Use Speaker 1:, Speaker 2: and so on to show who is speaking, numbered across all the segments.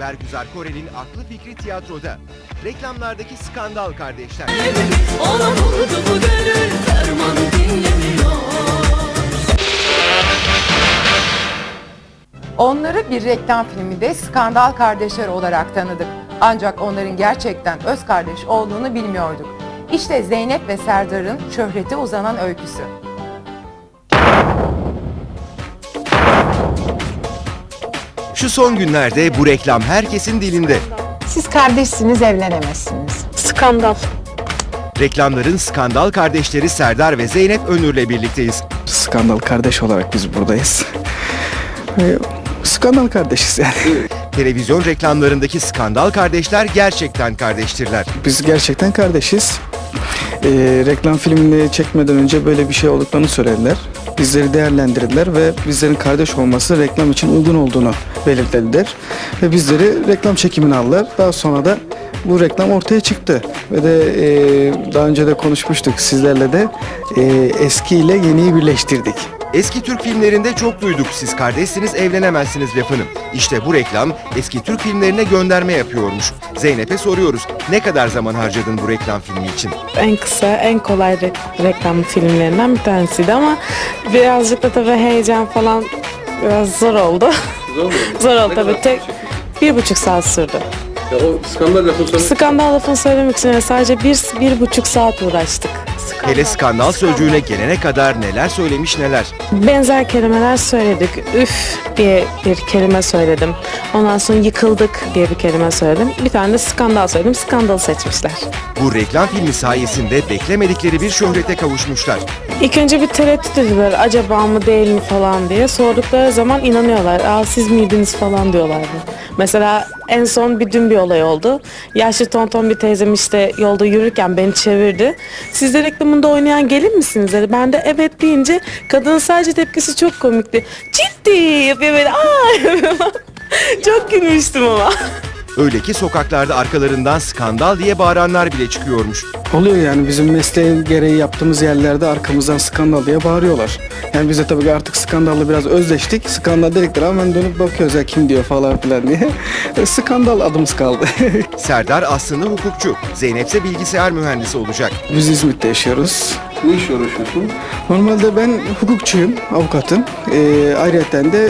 Speaker 1: Bergüzar Korel'in aklı fikri tiyatroda. Reklamlardaki skandal kardeşler.
Speaker 2: Olan oldu bu gönül ferman dinlemiyor.
Speaker 3: Onları bir reklam filminde skandal kardeşler olarak tanıdık. Ancak onların gerçekten öz kardeş olduğunu bilmiyorduk. İşte Zeynep ve Serdar'ın şöhrete uzanan öyküsü.
Speaker 1: Şu son günlerde bu reklam herkesin dilinde.
Speaker 4: Siz kardeşsiniz, evlenemezsiniz.
Speaker 5: Skandal.
Speaker 1: Reklamların skandal kardeşleri Serdar ve Zeynep Önür'le birlikteyiz.
Speaker 6: Skandal kardeş olarak biz buradayız. Skandal kardeşiz yani.
Speaker 1: Televizyon reklamlarındaki skandal kardeşler gerçekten kardeştirler.
Speaker 6: Biz gerçekten kardeşiz. Reklam filmini çekmeden önce böyle bir şey olduklarını söylediler. Bizleri değerlendirdiler ve bizlerin kardeş olması reklam için uygun olduğunu belirttiler. Ve bizleri reklam çekimine aldılar. Daha sonra da bu reklam ortaya çıktı. Ve de daha önce de konuşmuştuk sizlerle de eski ile yeniyi birleştirdik.
Speaker 1: Eski Türk filmlerinde çok duyduk siz kardeşsiniz evlenemezsiniz lafını. İşte bu reklam eski Türk filmlerine gönderme yapıyormuş. Zeynep'e soruyoruz, ne kadar zaman harcadın bu reklam filmi için?
Speaker 5: En kısa, en kolay reklam filmlerinden bir tanesiydi ama birazcık da tabii heyecan falan biraz zor oldu.
Speaker 7: Zor mu?
Speaker 5: Zor oldu tabii. 1,5 saat sürdü.
Speaker 7: Ya o skandal lafını sonra...
Speaker 5: Skandal lafını söylemek için sadece 1,5 saat uğraştık.
Speaker 1: Hele skandal sözcüğüne gelene kadar neler söylemiş neler.
Speaker 5: Benzer kelimeler söyledik. Üf diye bir kelime söyledim. Ondan sonra yıkıldık diye bir kelime söyledim. Bir tane de skandal söyledim. Skandalı seçmişler.
Speaker 1: Bu reklam filmi sayesinde beklemedikleri bir şöhrete kavuşmuşlar.
Speaker 5: İlk önce bir tereddüt ediyorlar. Acaba mı değil mi falan diye. Sordukları zaman inanıyorlar. Aa siz miydiniz falan diyorlardı. Mesela en son dün bir olay oldu. Yaşlı tonton bir teyzem işte yolda yürürken beni çevirdi. Siz de reklamında oynayan gelin misiniz dedi. Ben de evet deyince kadının sadece tepkisi çok komikti. Ciddi yapıyor böyle. Aa çok gülmüştüm ama.
Speaker 1: Öyle ki sokaklarda arkalarından skandal diye bağıranlar bile çıkıyormuş.
Speaker 6: Oluyor yani bizim mesleğin gereği yaptığımız yerlerde arkamızdan skandal diye bağırıyorlar. Yani biz de tabii artık skandalla biraz özleştik. Skandal dedikleri hemen dönüp bakıyoruz ya kim diyor falan filan diye. Skandal adımız kaldı.
Speaker 1: Serdar aslında hukukçu, Zeynep ise bilgisayar mühendisi olacak.
Speaker 6: Biz İzmit'te yaşıyoruz.
Speaker 7: Ne işle uğraşıyorsun?
Speaker 6: Normalde ben hukukçuyum, avukatım. Ayrıca de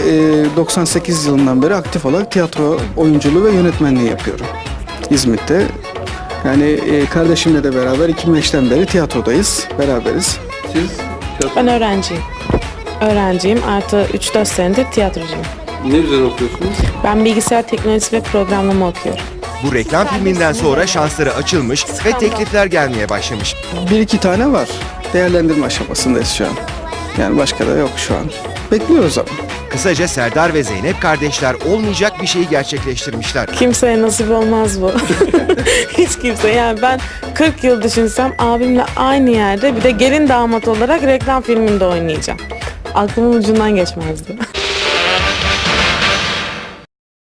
Speaker 6: 98 yılından beri aktif olarak tiyatro oyunculuğu ve yönetmenliği yapıyorum. İzmit'te. Yani kardeşimle de beraber 2005'ten beri tiyatrodayız, beraberiz.
Speaker 7: Siz
Speaker 5: Ben öğrenciyim. Öğrenciyim artı 3-4 senedir tiyatrocuyum.
Speaker 7: ne üzerine okuyorsunuz?
Speaker 5: Ben bilgisayar teknolojisi ve programlama okuyorum.
Speaker 1: Bu reklam filminden sonra şansları açılmış ve teklifler gelmeye başlamış.
Speaker 6: 1-2 tane var. Değerlendirme aşamasındayız şu an. Yani başka da yok şu an. Bekliyoruz ama.
Speaker 1: Kısaca Serdar ve Zeynep kardeşler olmayacak bir şeyi gerçekleştirmişler.
Speaker 5: Kimseye nasip olmaz bu. Hiç kimse. Yani ben 40 yıl düşünsem abimle aynı yerde bir de gelin damat olarak reklam filminde oynayacağım. Aklımın ucundan geçmezdi.